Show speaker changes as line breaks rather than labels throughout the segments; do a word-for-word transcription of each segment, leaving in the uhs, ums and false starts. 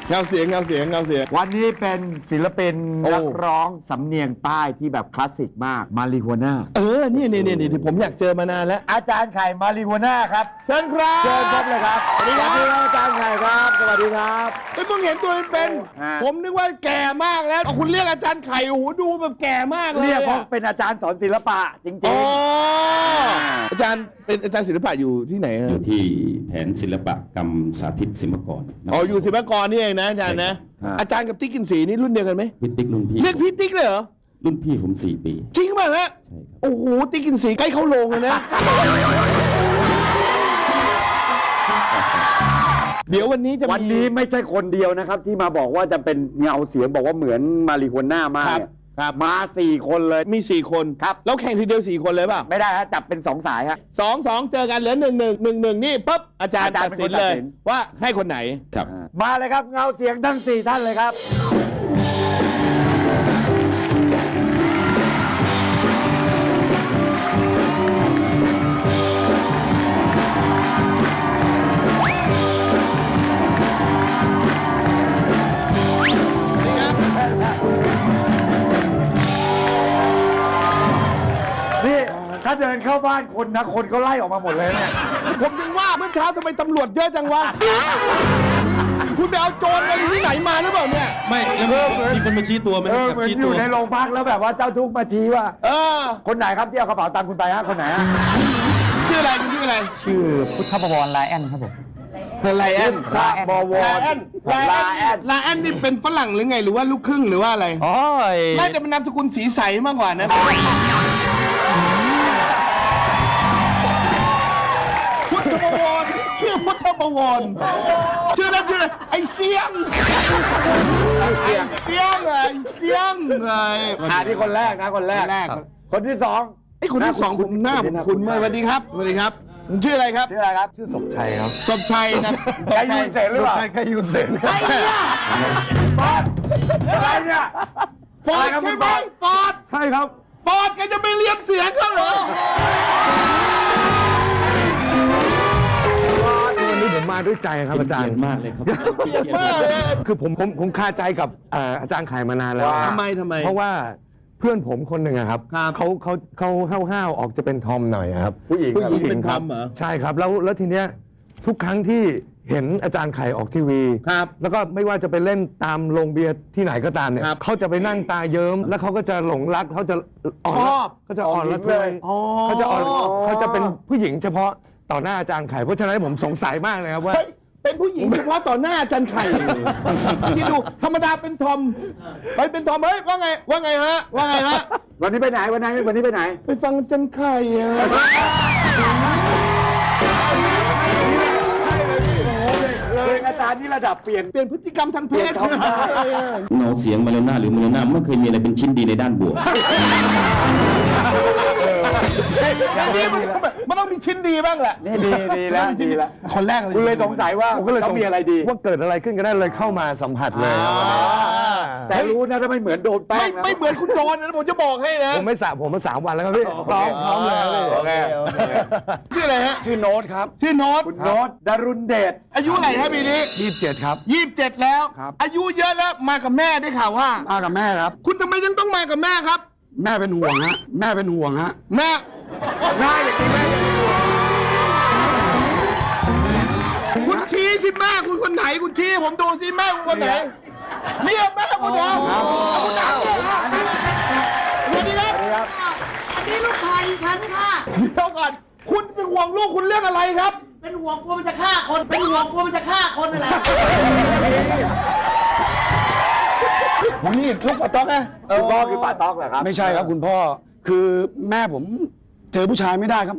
เงาเสียงเงาเสียงเงาเสียง
วันนี้เป็นศิลปินนักร้องสำเนียงใต้ที่แบบคลาสสิกมากมาริโฮน่า
เออนี่นี่นี่ที่ผมอยากเจอมานานแล้ว
อาจารย์ไข่มาริโฮน่าครับ
เชิญครับ
เชิญครับเลยครับสวัสดีครับอาจารย์ไข่ครับสวัสดีครับ
ไม่เพิ่งเห็นตัวเป็นผมนึกว่าแก่มากแล้วคุณเรียกอาจารย์ไข่โอ้โหดูแบบแก่มากเลย
เรียกเพราะเป็นอาจารย์สอนศิลปะจริงๆอ๋อ
อาจารย์เป็นอาจารย์ศิลปะอยู่ที่ไหน
อยู่ที่แผนศิลปกรรมสาธิตศิลปากร
อ๋ออยู่ศิลปากรนี่เองนะอาจารย์นะอาจารย์กับติ๊กกินสีนี่รุ่นเดียวกันไหม
พี่ติ๊กรุ่นพี่
เรียกพี่ติ๊กเลยเหรอ
รุ่นพี่ผมสี่ปี
จริงป่ะฮะใช่ครับโอ้โหติ๊กกินสีใกล้เข้าโรงเลยนะเดี๋ยววันนี้จะ
วันนี้ไม่ใช่คนเดียวนะครับที่มาบอกว่าจะเป็นเงาเสียงบอกว่าเหมือนมาริโฮน่ามากครับมาสี่คนเลย
มีสี่คน
ครับ
แล้วแข่งทีเดียวสี่คนเลยป่ะ
ไม่ได้ฮะจับเป็นสองสายฮะ
สองสองเจอกันเหลือหนึ่งหนึ่งหนึ่งหนึ่งนี่ปุ๊บอาจารย์ตัดสินเลยว่าให้คนไหน
ครับ
มาเลยครับเงาเสียงทั้งสี่ท่านเลยครับถ้าเดินเข้าบ้านคนนะคนก็ไล่ออกมาหมดเลยเนี่ย
ผมยังว่าเมื่อเช้าทำไมตำรวจเยอะจังวะคุณไปเอาโจรมาที่ไหนมาหรือเปล่าเนี่ย
ไม่แล้วมีคนมาชี้ตัวไหม
เหมือนอยู่ในโรงพักแล้วแบบว่าเจ้าทุกข์มาชี้ว่าเออคนไหนครับที่เอากระเป๋าตังค์คุณไปฮะคนไหนฮะ
ชื่ออะไรคุณชื่ออะไร
ชื่อพุทธบวรไลแอนครับผม
ไลแอน
ลาบวร
ลาแอนลาแอนนี่เป็นฝรั่งหรือไงหรือว่าลูกครึ่งหรือว่าอะไร
อ๋อ
น่าจะเป็นนามสกุลสีใสมากกว่านะพุทธบวรชื่อพุทธบวรชื่อนั้นชื่อไอเสียงไอเสียงไอเสียงไง
อ่าที่คนแรกนะคนแรกคนที่สอง
ไอคนที่สองผมหน้าผมคุณมากสวัสดีครับสวัสดีครับชื่ออะไรครับ
ชื่ออะไรครับ
ชื่อศพชัยครับ
ศพชัยนะ
ไกยูเซนหรือเปล่า
ไกยูเซน
ไอ้เนี่ยฟอร์ดอะไรเนี่ย
ฟอร์ดใช่ไหมฟอร์ด
ใช่ครับ
ฟอร์ดแกจะไปเรียนเสียงเขาเหรอ
วันนี้ผมมาด้วยใจครับอาจารย์
มากเลยครับ
คือผมผมผมคาใจกับอาจารย์ไข่มานานแล้ว
ทำไมทำไม
เพราะว่าเพื่อนผมคนหนึ่งครับเขาเขาเขาห้าวๆออกจะเป็นทอมหน่อยครับ
ผู้หญิง
ผู้หญิงเป็นทอมเหรอ
ใช่ครับแล้วแล้วทีเนี้ยทุกครั้งที่เห็นอาจารย์ไข่ออกทีวี
ครับ
แล้วก็ไม่ว่าจะไปเล่นตามโรงเบียร์ที่ไหนก็ตามเนี่ยเขาจะไปนั่งตาเยิ้มแล้วเขาก็จะหลงรักเขาจะอ่อนเขาจะอ่อนละทวยเขาจะอ่อนเขาจะเป็นผู้หญิงเฉพาะต่อหน้าอาจารย์ไข่เพราะฉะนั้นผมสงสัยมากเลยครับว่า
เป็นผู้หญิงเฉพาะต่อหน้าอาจารย์ไข่ที่ดูธรรมดาเป็นทอมไปเป็นทอมเฮ้ยว่าไงว่าไงฮะว่าไงฮะ
วันนี้ไปไหนวันไหนวันนี้ไปไหน
ไปฟังอาจารย์ไข่อะ
เลยอาจารย์นี่ระดับเปลี่ยน
เปลี่ยนพฤติกรรมทางเพศ
เงาเสียงมาเลน่าหรือมาเลน่าไม่เคยมีอะไรเป็นชิ้นดีในด้านบวก
อย่างนี้มันต้องมีชิ้นดีบ้างแหละ
นี่ดีดีแล้วดีแล้ว
คนแรกเลย
คุณเลยสงสัยว่าต้องมีอะไรดี
ว่าเกิดอะไรขึ้นก็ได้เลยเข้ามาสัมผัสเลย
แต่รู้นะถ้าไม่เหมือนโดนแป้ง
ไม่เหมือนคุณโดนนะผมจะบอกให้นะ
ผมไม่สระผมมาสามวันแล้วครับพี่พร้อมพร้อมเลย
ชื่ออะไรฮะ
ชื่อโน้ตครับ
ชื่อโน้ต
คุณโน้ตดารุณเดช
อายุไหนครับปีนี้
ยี่สิบเจ็ดครับ
ยี่สิบเจ็ดแล้วอายุเยอะแล้วมากับแม่ได้ข่าวว่า
มากับแม่ครับ
คุณทำไมยังต้องมากับแม่ครับ
แม่เป็นห่วงฮะแม่เป็นห่วงฮะ
แม่
ง่ายอย่างนี้แม่
คุณชี้สิแม่คุณคนไหนคุณชี้ผมดูสิแม่คุณคนไหนเนี่ยแม่คุณเดียวคุณดาวสวัสดีครับ
อันนี้ลูกชายฉันค่ะ
เดี๋ยวก่อนคุณเป็นห่วงลูกคุณเรื่องอะไรครับ
เป็นห่วงกลัวมันจะฆ่าคนเป็นห่วงกลัวมันจะฆ่าคนนั่นแหละ
ผมนี่ลูกป้าต๊อกนะ
คุณพ่อคือป้าต๊อกเหรอครับ
ไม่ใช่ครับคุณพ่อคือแม่ผมเจอผู้ชายไม่ได้ครับ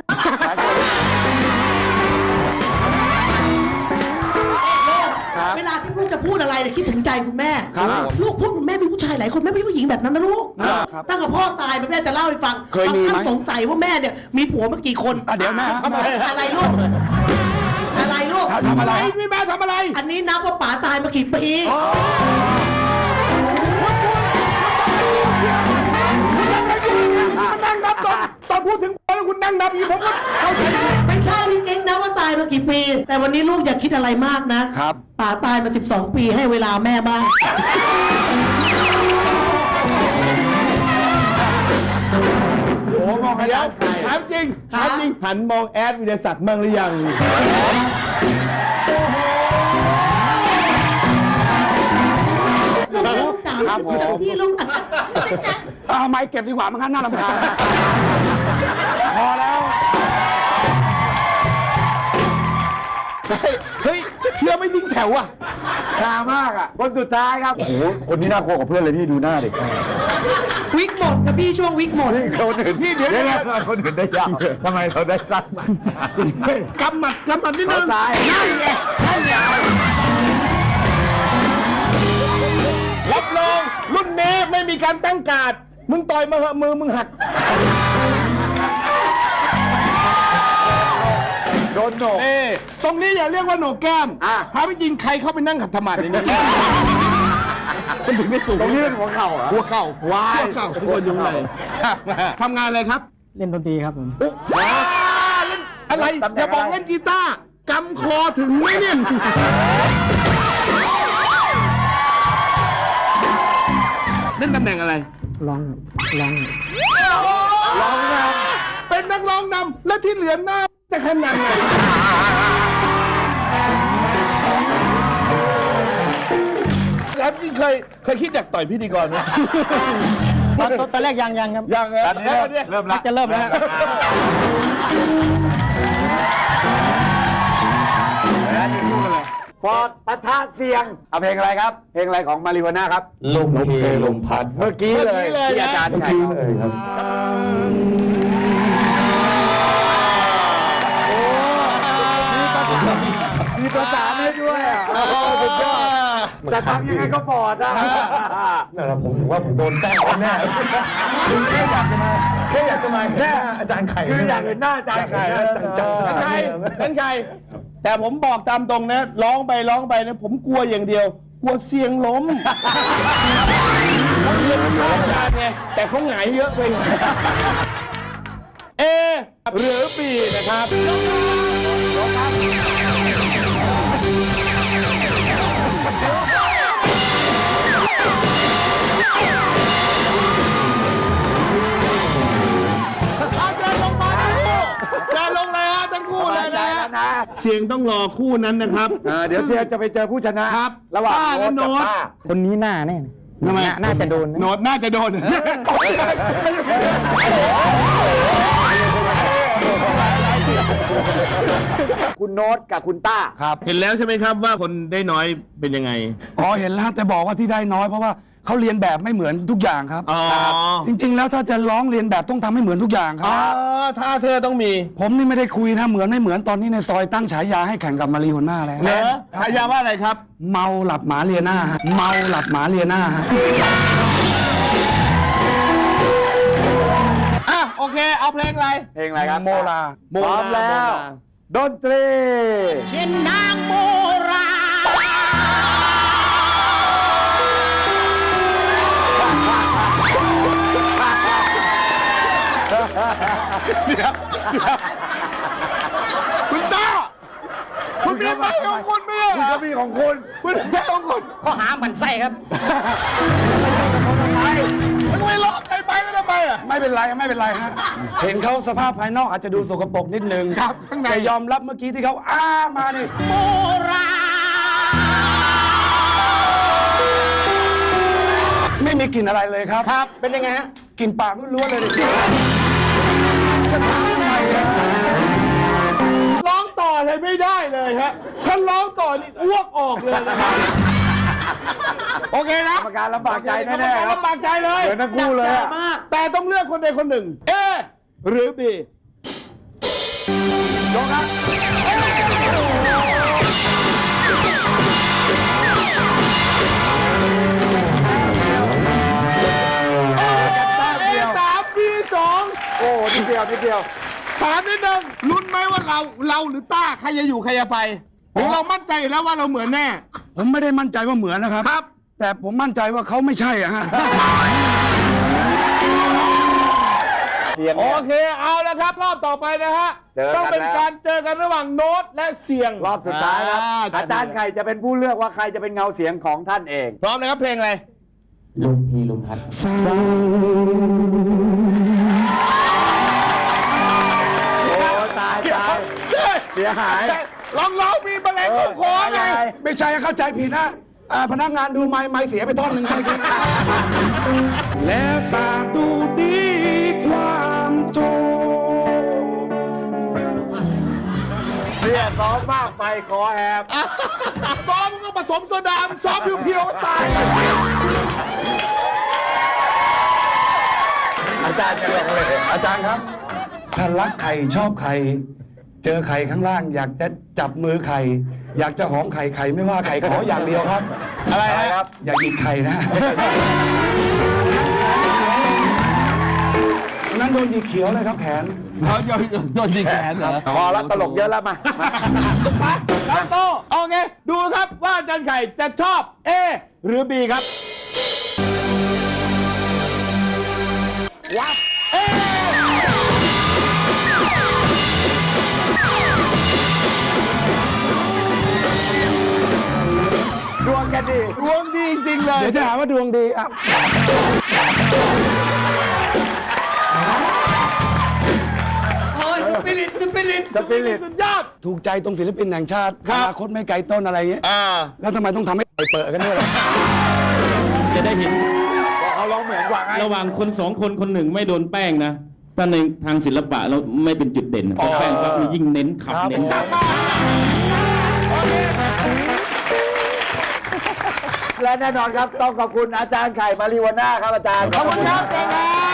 เวลาที่ลูกจะพูดอะไรเนี่ยคิดถึงใจคุณแม่ลูกพูดคุณแม่มีผู้ชายหลายคนแม่ไม่ใช่ผู้หญิงแบบนั้นนะลูกตั้งแต่พ่อตายแม่จะเล่าให้ฟัง
เคยมีไหม
สงสัยว่าแม่เนี่ยมีผัวมากี่คน
เดี๋ยวแม่
อะไรลูกอะไรลูก
ทำอะไร
นี่แม่ทำอะไร
อันนี้นับว่าป๋าตายมากี่ปี
นั่งนับตอนตอนพูดถึงแล้วคุณนั่งนับอยู่ผมก็เข้าใจ
ไม่ใช่พี่เก่งนะว่าตายมากี่ปี แต่วันนี้ลูกอย่าคิดอะไรมากนะครับ ป๋าตายมาสิบสองปีให้เวลาแม่บ้าง
โอ้มองเดี๋ยวถามจริงถามจริงหันมองแอดวิทยาศักดิ์มั่งหรือยัง
ลูกจ๋าที่ลูก
เอาไม้เก็บดีกว่ามันงั้นน่ารำคาญพอแล้ว
เฮ้ยเชื่อไม่ทิ้งแถวอ่ะ
ชามากอ่ะคนสุดท้ายครับโอ้โหคนนี้น่ากลัวกว่าเพื่อนเลยพี่ดูหน้าดิ
วิกหมดกับพี่ช่วงวิกหมด
คนอื่นพี่เดี๋ยวนี้คนอื่นได้ยาวทำไมเราได้สั้น
กำหมัดกำหมัดนิดนึง
ซ้าย
นั่นไงนั่นไงรับรองรุ่นนี้ไม่มีการตั้งการ์ดมึงต่อยมาเหอะมือมึงหัก
โดนโหนก
เอ้ตรงนี้อย่าเรียกว่าโหนกแก้ม
อ่ะ
ถ้าไม่จริงใครเข้าไปนั่งขัดธรรมะในนี้มันถึงไม่สูง
ตรงนี้เป็นหัวเข่าเหรอ
หัวเข่าว้ายหัวเข่าทุกคนอยู่ไหนทำงานอะไรครับ
เล่นดนตรีครับผม
ว้าเล่นอะไรอย่าบอกเล่นกีตาร์กำคอถึงไหมเนี่ยเล่นตำแหน่งอะไร
ร้องร้อง
ร้องนำเป็นนักร้องนำและที่เหลือหน้าจะขนาดไหนแล้วจริงเคยเคยคิดอยากต่อยพิธีกรไหม
ตอนตอนแรกยังยังครับ
ยังเหรอ
ตอนนี้เริ่มเริ่มละ
จะเริ่มแล้วครับ
ฟอร์ดปะทะเสียงเอาเพลงอะไรครับ เพลงอะไรของมาริโฮน่าครับ
ลมเพลมพัด
เมื่อกี้เลยที่อาจารย์ให้เลยครับมีประสานให้ด้วยอ่ะสุดยอดจะทำยังไงก็ฟอร์ดอ่ะ
นั่นแหละผมถือว่าผมโดนแต้มแน่แค่อยากจะมาแค่อยากจะมาแค่อาจารย์ไข่
คืออยากเห็นหน้าอาจารย์ไข่
จัง
เป็นใครเป็นใครแต่ผมบอกตามตรงนะร้องไปร้องไปนะผมกลัวอย่างเดียว กลัวเสียงล้มเขาเรียนอาจารย์ไงแต่เขาหงายเยอะไปหน่อยเอหรือบีนะครับจะลงเลยฮะทั้งคู่เลยนะฮะเสียงต้องรอคู่นั้นนะครับ
เดี๋ยวเสียจะไปเจอผู้ชนะครับ ระหว่าง
ป้าและโน้ต
คนนี้หน้าแน่
ทำไม
น่าน่าจะโดนนะ
โน้ตน่าจะโดน
คุณโน้ตกับคุณต้า
ครับ
เห็นแล้วใช่ไหมครับว่าคนได้น้อยเป็นยังไง
อ๋อเห็นแล้วแต่บอกว่าที่ได้น้อยเพราะว่าเขาเรียนแบบไม่เหมือนทุกอย่างครับ
อ๋อ
จริง ๆ แล้วถ้าจะร้องเรียนแบบต้องทำให้เหมือนทุกอย่างค
อ๋
รั
อบ ถ้าเธอต้องมี
ผมนี่ไม่ได้คุยนะเหมือนไม่เหมือนตอนนี้ในซอยตั้งฉายาให้แข่งกับมารีโฮน่าแล้ว
เหรอฉายาว่าอะไรครับ
เมาหลับหมาเลียหน้าฮะเมาหลับหมาเลียหน้าฮะ
อ่ะโอเค เอาเพลงอะไร
เพลงอะไรครับ
โมลา
พร้อมแล้ว ดนตรี
เช่นนางโมรา
คุณต้าคุณมีไม้ของคุณไหม
คุณก็มีของคุณ
คุณมีไม้ของคุณ
ข้อหาหมันไส้ครับ
ทำไมล็อกใครไปแล้วทำไมอ่ะ
ไม่เป็นไรไม่เป็นไรฮะเห็นเขาสภาพภายนอกอาจจะดูสกปรกนิดนึง
ครับข้างใน
แต่ยอมรับเมื่อกี้ที่เขาอ้ามานี่
โมรา
ไม่มีกลิ่นอะไรเลยครับ
ครับ เป็นยังไงฮะ
กลิ่นปากล้วนๆเลยดิ
ร้องต่อเลยไม่ได้เลยฮะถ้าร้องต่อนี่อ้วกออกเลยนะครับโอเคนะ
กรรมการลำบากใจแน่ๆครับ
ลำบากใจเลย
เหมือนทั้งคู่เลยอะ
แต่ต้องเลือกคนใดคนหนึ่ง เอ หรือบี
ยกครับ
เอสามบีสอง
โอ้นิดเดียวนิดเดียว
ถามนิดนึงลุ้นไหมว่าเราเราหรือต้าใครจะอยู่ใครจะไปหรือเรามั่นใจอยู่แล้วว่าเราเหมือนแน่
ผมไม่ได้มั่นใจว่าเหมือนนะครับ
ครับ
แต่ผมมั่นใจว่าเขาไม่ใช่อะฮะ
เสียง
โอ
เนี่ย
เคเอาแล้วครับ รอบต่อไปนะฮะ
เจอกัน
ต้องเป็น
แล้ว
การเจอกันระหว่างโน้ตและเสียง
รอบสุดท้ายครับ อาจารย์ไข่จะเป็นผู้เลือกว่าใครจะเป็นเงาเสียงของท่านเอง
พร้อมนะครับเพลงอะไร
ลมพีลมพัด
โอ้ตายตายเสียหาย
ลองร้องมีแมลงเข้าคอไง
ไม่ใช่เข้าใจผิดนะอ่าพนักงานดูไม้ไม้เสียไปท่อนหนึ่งเมื่อกี้และสาบดูดีความโจ
เสียซ้อมมากไปคอแหบ
ซ้อมมันก็ผสมโซดาซ้อมเพียวๆก็ตาย
อาจารย์จะลงเลย
อาจารย์ครับ ถ้ารักใครชอบใคร เจอใครข้างล่าง อยากจะจับมือใคร อยากจะหอมไข่ไข่ไม่ว่าไข่ขออย่างเดียวครับ
อะไรนะครับ
อย่าหยิกไข่นะวันนั้นโดนหยิกเขียวเลยครับแขน
เขาโยนโยนยิงแขนเหรอ
พอแล้วตลกเยอะแล้วมา
มาครับโตโอเคดูครับว่าอาจารย์ไข่จะชอบ A หรือ B ครับวับ A
ดวงกันดี
ดวงดีจริงๆเลย
เดี๋ยวจะหาว่าดวงดีอ่ะ
โอ้ยสปิริตสปิริต
สปิริต
สุดยอด
ถูกใจตรงศิลปินแห่งชาติ
ครั
อบ นาคตไม่ไกลต้นอะไรเงี้ย
อ่า
แล้วทำไมต้องทำให้เปิดกันด้วยล่ะ
จะได้เห็น
เขาร้องเหมือนกว่าไง
ระหว่างคนสองคนคนหนึ่งไม่โดนแป้งนะถ้าในทางศิลปะเราไม่เป็นจุดเด่นพอแป้งปั๊บนี่ยิ่งเน้นขับเน้นดัง
และแน่นอนครับต้องขอบคุณอาจารย์ไข่มาริวาน่าครับอาจารย์
ขอบคุณครับอาจารย์ครับ